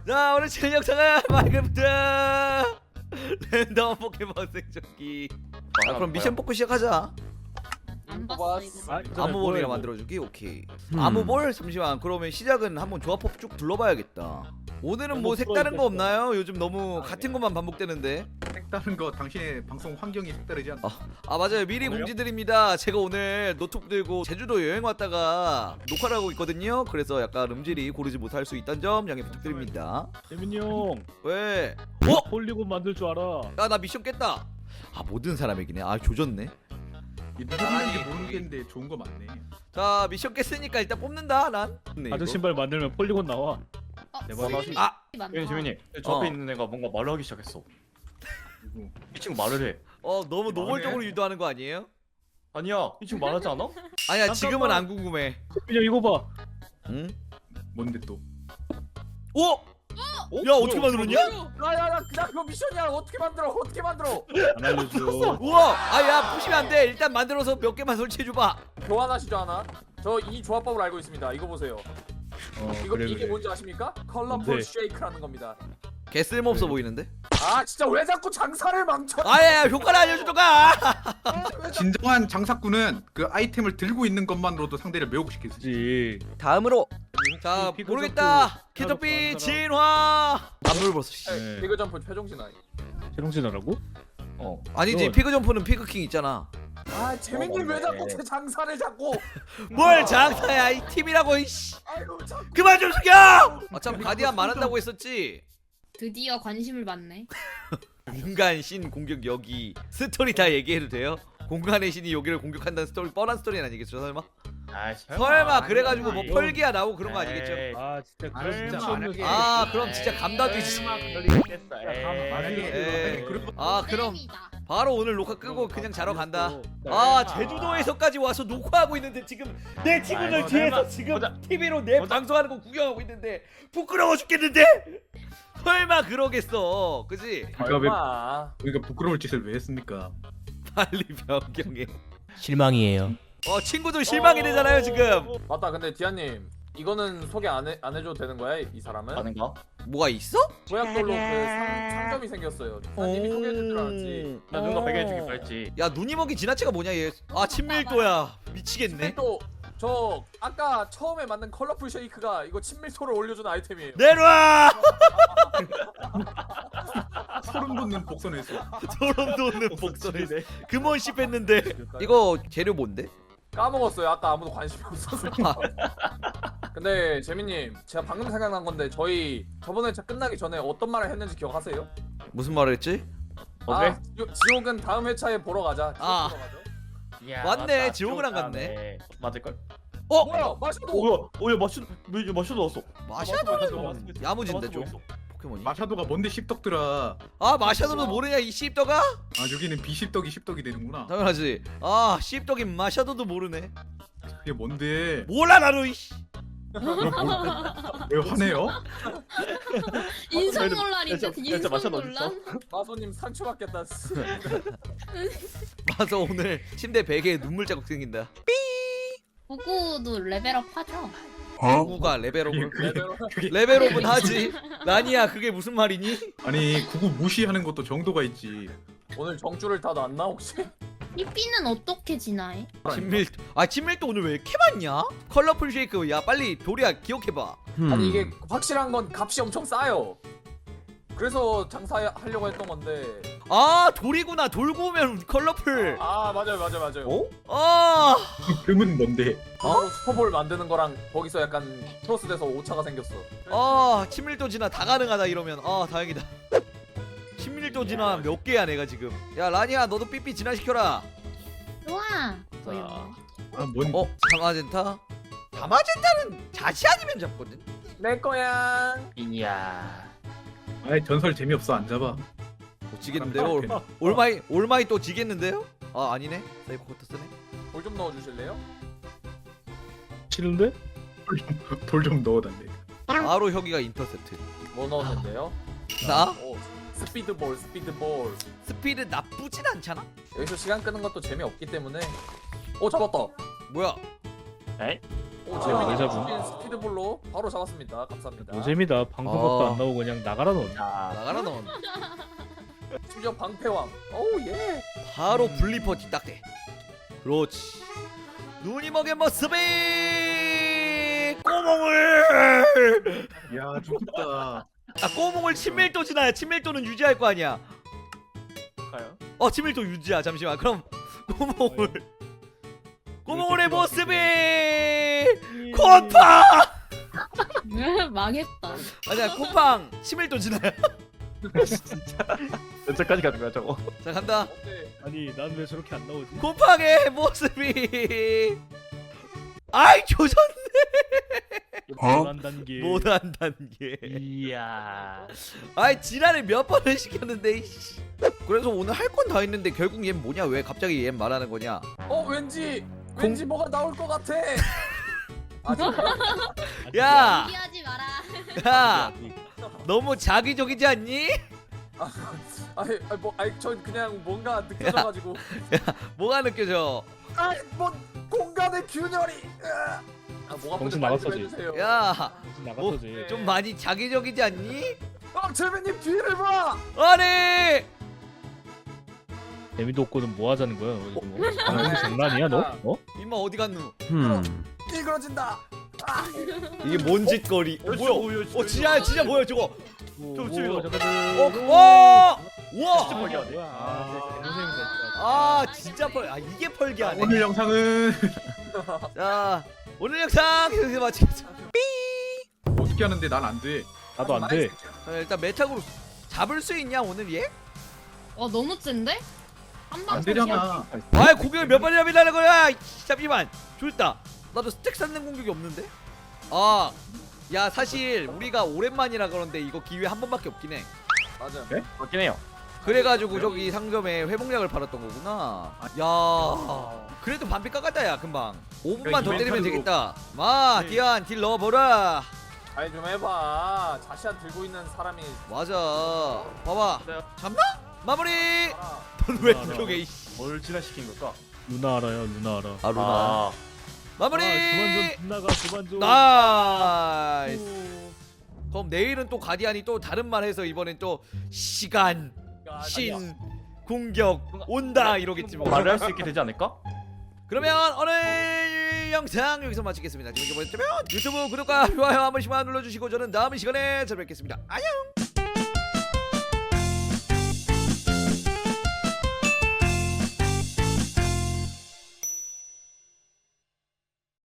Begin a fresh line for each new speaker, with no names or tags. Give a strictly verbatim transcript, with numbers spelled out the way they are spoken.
자 오늘 칠 영상은 마인크래프트 랜덤 포켓몬 생존기. 자 그럼 미션 뽑고 시작하자.
안 봤어 이거.
아,
아무볼이라
뭐.
만들어주기. 오케이.
음.
아무볼? 잠시만. 그러면 시작은 한번 조합법 쭉 둘러봐야겠다. 오늘은 뭐 색다른 거 없나요? 요즘 너무 같은 것만 반복되는데.
색다른 거 당신의 방송 환경이 색다르지 않나?
아 맞아요. 미리
오늘요?
공지드립니다. 제가 오늘 노트북 들고 제주도 여행 왔다가 녹화를 하고 있거든요. 그래서 약간 음질이 고르지 못할 수 있다는 점 양해 부탁드립니다.
재민이 형
왜? 어?
폴리곤 만들 줄 알아.
야 나 미션 깼다. 아 모든 사람에게네. 아 조졌네.
누구인지 모르겠는데 좋은 거 많네.
자 미션 깼으니까 일단 뽑는다 난. 네,
가죽
이거.
신발 만들면 폴리곤 나와.
어,
대박.
슬림이
아!
많다.
예, 재민이 저 앞에
어.
있는 애가 뭔가 말을 하기 시작했어.
누구?
이 친구 말을 해.
어 너무
이거
노골적으로
안 해?
유도하는 거 아니에요?
아니야, 이 친구 말하지 않아?
아니야 지금은
잠깐만.
안 궁금해.
재민이 형 이거 봐.
응?
뭔데 또?
오! 야 어떻게 만들었냐?
야야야 그냥 그거 미션이야. 어떻게 만들어 어떻게 만들어.
안 알려줘.
우와! 아야 부시면 안 돼. 일단 만들어서 몇 개만 설치해줘봐.
교환하시죠 하나. 저 이 조합법을 알고 있습니다. 이거 보세요.
어,
이거
그래,
이게
그래.
뭔지 아십니까? 컬러풀
뭔데?
쉐이크라는 겁니다.
개 쓸모없어 보이는데?
아 진짜 왜 자꾸 장사를 망쳐.
아야 효과를 알려주던가!
진정한 장사꾼은 그 아이템을 들고 있는 것만으로도 상대를 매혹 시킬 수 있어.
그렇지.
다음으로 자
피그
모르겠다.
점프
캐터피
하는 사람.
진화. 안물버섯 씨.
네.
피그 점프 최종 진화.
최종진화라고?
어.
아니지
그건-
피그 점프는 피그킹 있잖아.
아 재민님 왜 자꾸 제 장사를 자꾸.
뭘 장사야 이 팀이라고 이씨.
아이고 자꾸.
그만 좀 숙여! 어차피 가디안 말한다고 했었지.
드디어 관심을 받네.
인간 신 공격 여기 스토리 다 얘기해도 돼요? 공간의 신이 여기를 공격한다는 스토리 뻔한 스토리는 아니겠죠 설마?
아,
설마 그래가지고 뭐
아니,
펄기야 나오고 그런 거
에이.
아니겠죠?
아 진짜
아,
그런
진짜
진짜
만약에-
아 그럼 진짜 감다디지.
설마 그럴 리 있겠어.
만약에-
에이.
그리고
아 그럼
쌤이다.
바로 오늘 녹화 끄고 그냥 자러 간다.
네.
아 제주도에서까지 와서 녹화하고 있는데 지금 내 친구들
아이고,
뒤에서
설마.
지금
보자.
티비로 내
보자.
방송하는 거 구경하고 있는데 부끄러워 죽겠는데? 설마 그러겠어 그지?
그러니까 왜
아
우리가 부끄러울 짓을 왜 했습니까?
빨리 변경해.
실망이에요.
어 친구들 실망이 되잖아요 지금.
맞다. 근데 디아님 이거는 소개 안, 해, 안 해줘도 되는 거야 이 사람은?
아닌가?
뭐가 있어?
조약돌로 그 상, 상점이 생겼어요. 난 이미 소개해줄 줄 알았지.
나 누가 베개해주길 바랬지.
야 눈이 먹이 지나치가 뭐냐 얘. 아 친밀도야 미치겠네.
근데 또 저 아까 처음에 만든 컬러풀 쉐이크가 이거 친밀도를 올려주는 아이템이에요.
내놔.
소름 돋는 복선했어.
소름 돋는 목소리네. 금원 씹했는데. 이거 재료 뭔데?
까먹었어요. 아까 아무도 관심이 없어서.
아,
근데 재민님, 제가 방금 생각난 건데 저희 저번에 차 끝나기 전에 어떤 말을 했는지 기억하세요?
무슨 말을 했지?
어제?
아, 지- 지옥은 다음 회차에 보러 가자. 지옥
아.
보러 가죠.
야,
맞네,
맞다.
지옥을 안
지옥
갔네.
다음에 맞을걸?
어?
뭐야, 마셔도.
오야, 오야 마슈, 왜 마슈도 왔어?
마샤도는 야무진데 좀
있어.
포켓몬이.
마샤도가 뭔데 씹덕들아.
아 마샤도도 모르냐 이 씹덕아?
아 여기는 비씹덕이 씹덕이 되는구나.
당연하지. 아 씹덕인 마샤도도 모르네.
그게 뭔데?
몰라 나도 이씨.
왜 화내요?
인성
그래도-
논란이죠.
진짜- 진짜
인성
마셔
논란.
마소님 상처받겠다.
맞아 오늘 침대 베개에 눈물 자국 생긴다.
구구도 레벨업 하죠.
구구가 레벨업을
레벨업.
그게
레벨업은 하지. 라니야 그게 무슨 말이니?
아니 구구 무시하는 것도 정도가 있지.
오늘 정주를 다 놨나 혹시?
삐삐는 어떻게 진화해?
친밀 아 친밀도 오늘 왜 이렇게 많냐? 컬러풀 쉐이크 야 빨리 도리야 기억해봐.
아니 이게 확실한 건 값이 엄청 싸요. 그래서 장사하려고 했던 건데.
아 돌이구나. 돌고 오면 컬러풀.
아 맞아요, 맞아요, 맞아요.
어? 아
금은 뭔데?
바로 슈퍼볼 만드는 거랑 거기서 약간 크로스돼서 오차가 생겼어.
아 친밀도 진화 다 가능하다 이러면 아 다행이다. 친밀도 진화 몇 개야 내가 지금. 야 라니야 너도 삐삐 진화시켜라.
좋아.
자.
뭐야?
아뭔
어? 다마젠타? 다마젠타는 자시 아니면 잡거든?
내 거야.
이야.
아이 전설 재미없어 안 잡아.
못 지겠는데요? 올, 올마이 올마이 또 지겠는데요? 아 아니네 세이브 코트 쓰네.
볼 좀 넣어주실래요?
싫은데?
돌 좀 넣어달래.
바로 혁이가 인터셉트.
뭐 넣었는데요?
나?
오, 스피드볼, 스피드볼.
스피드 나쁘진 않잖아?
여기서 시간 끄는 것도 재미없기 때문에. 오 잡았다.
뭐야?
에이?
오
아,
재민님
여자분.
주신 스피드볼로 바로 잡았습니다. 감사합니다.
노잼이다. 방송각도
아.
안 나오고 그냥 나가라 넌.
자,
나가라 넌.
심지어 방패왕. 오우 예.
바로 블리퍼 뒷딱대. 그렇지. 눈이 먹인 모습이 꼬몽을.
야 좋겠다.
아 꼬몽을 친밀도 지나야 친밀도는 유지할 거 아니야.
가요.
어 친밀도 유지야. 잠시만. 그럼 꼬몽을 꼬몽의 모습이 콤팡.
망했다.
아니야 콤팡 친밀도 지나야.
언제까지 가는 거야 저거?
자 간다.
어때?
아니 난 왜 저렇게 안 나오지?
콤팡의 모습이 아이 조졌네.
못한 단계.
못한 단계.
이야.
아이 지랄을 몇 번을 시켰는데 이씨. 그래서 오늘 할 건 다 했는데 결국 얘 뭐냐 왜 갑자기 얘 말하는 거냐.
어 왠지 왠지 뭐가 나올 것 같아. 아 진짜?
야,
얘기하지 마라.
야 너무 자기적이지 않니?
아니 아니 뭐 아니 저 그냥 뭔가 느껴져가지고.
뭐가 느껴져?
아이 뭐 공간의 균열이. 으아. 아 뭐가
정신
먼저
나갔어,
말씀해주세요.
야,
나갔어지.
좀 많이 자기적이지 않니?
어 재민님 뒤를 봐.
아니,
재미도 없고는 뭐 하자는 거야? 너 지금 뭐? 방송 장난이야 너? 어?
임마 어디 갔누?
음.
이그러진다.
이게 뭔 짓거리? 어, 뭐야? 어 진짜 진짜 뭐야 저거?
좀
치밀어.
어, 와, 우와.
진짜 펄기하네.
아,
아 진짜 펄. 아 이게 펄기하네.
오늘 영상은
자 오늘 영상 여기서 마치겠습니다.
어떻게 하는데 난 안 돼.
나도 안 돼.
자, 일단 메타으로 잡을 수 있냐 오늘 얘?
와 너무 센데? 한방
안 되잖아.
아 공격을 몇 번이나 밀라는 거야? 이씨, 잠시만 좋다. 나도 스택 쌓는 공격이 없는데? 아, 야 사실 우리가 오랜만이라 그런데 이거 기회 한 번밖에 없긴 해.
맞아.
네? 맞긴 해요.
그래가지고 저기 상점에 회복약을 팔았던 거구나. 야, 그래도 반피 깎았다 야 금방. 오 분만 더 때리면 되겠다. 마, 디안 딜 넣어보라.
아니 좀 해봐. 자시안 들고 있는 사람이.
맞아. 봐봐.
네.
잡나? 마무리.
아,
넌왜
알아.
이쪽에 이씨.
뭘 진화시킨 걸까?
누나 알아요, 누나 알아.
아 루나.
아.
마무리.
아, 그만 좀 누나가 그만 좀.
나이스. 그럼 내일은 또 가디안이 또 다른 말 해서 이번엔 또 시간, 신, 공격 온다 이러겠지 뭐.
말을 할 수 있게 되지 않을까?
그러면 오늘 영상 여기서 마치겠습니다. 재밌게 보셨다면 유튜브 구독과 좋아요 한 번씩만 눌러주시고 저는 다음 시간에 찾아뵙겠습니다. 안녕.